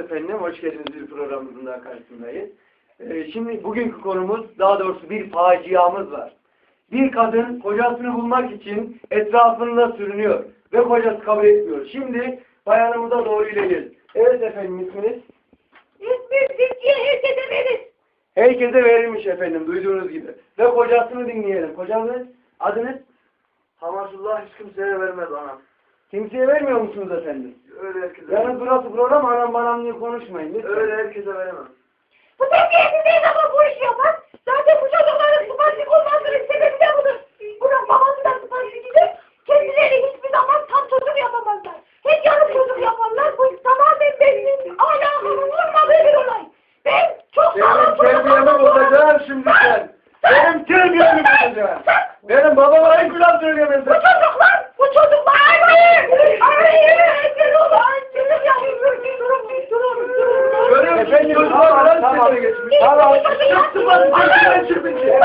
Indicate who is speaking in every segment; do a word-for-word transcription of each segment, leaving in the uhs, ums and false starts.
Speaker 1: efendim, hoş geldiniz bir programımızın daha karşısındayız. Ee, şimdi bugünkü konumuz, daha doğrusu bir faciamız var. Bir kadın kocasını bulmak için etrafında sürünüyor ve kocası kabul etmiyor. Şimdi bayanımıza doğru ilerliyoruz. Evet efendim, isminiz?
Speaker 2: İsmim Zülfiye, herkese verir.
Speaker 1: Herkese verilmiş efendim, duyduğunuz gibi. Ve kocasını dinleyelim. Kocanız, adınız?
Speaker 3: Hamasullah hiç kimseye vermez anam.
Speaker 1: Kimseye vermiyor musunuz efendim?
Speaker 3: Öyle herkese
Speaker 1: Yalnız burası program, anam banam diye konuşmayın. Lütfen.
Speaker 3: Öyle herkese veremem.
Speaker 2: Bu terbiyesiz ne zaman bu işi yapar? Zaten bu çocukların sıfansik olmasının sebebi de budur. Bunun babası da sıfansikidir. Kendileri hiçbir zaman tam çocuk yapamazlar. Hep yarım çocuk yaparlar. Bu tamamen benim ahlakımın olmadığı bir olay. Ben çok sağlam
Speaker 1: Benim terbiyemi bozacağım şimdi sen. Benim terbiyemi bozacağım. Benim babama hiç laf söyleyemezsin.
Speaker 2: Bu çocuklar, bu çocuklar hayır, hayır, engel olan çocuk yapıyor. Durun, durun, durun.
Speaker 1: Görüyor musun?
Speaker 3: Efendim,
Speaker 1: Çocuklar
Speaker 3: tamam,
Speaker 1: falan
Speaker 3: tamam.
Speaker 1: sesine geçmiş. Tamam. Çıktı bak, sesine çıkmış.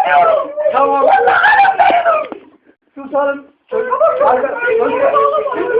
Speaker 1: Tamam. Susalım. Çocuk. Arka- Çocuk.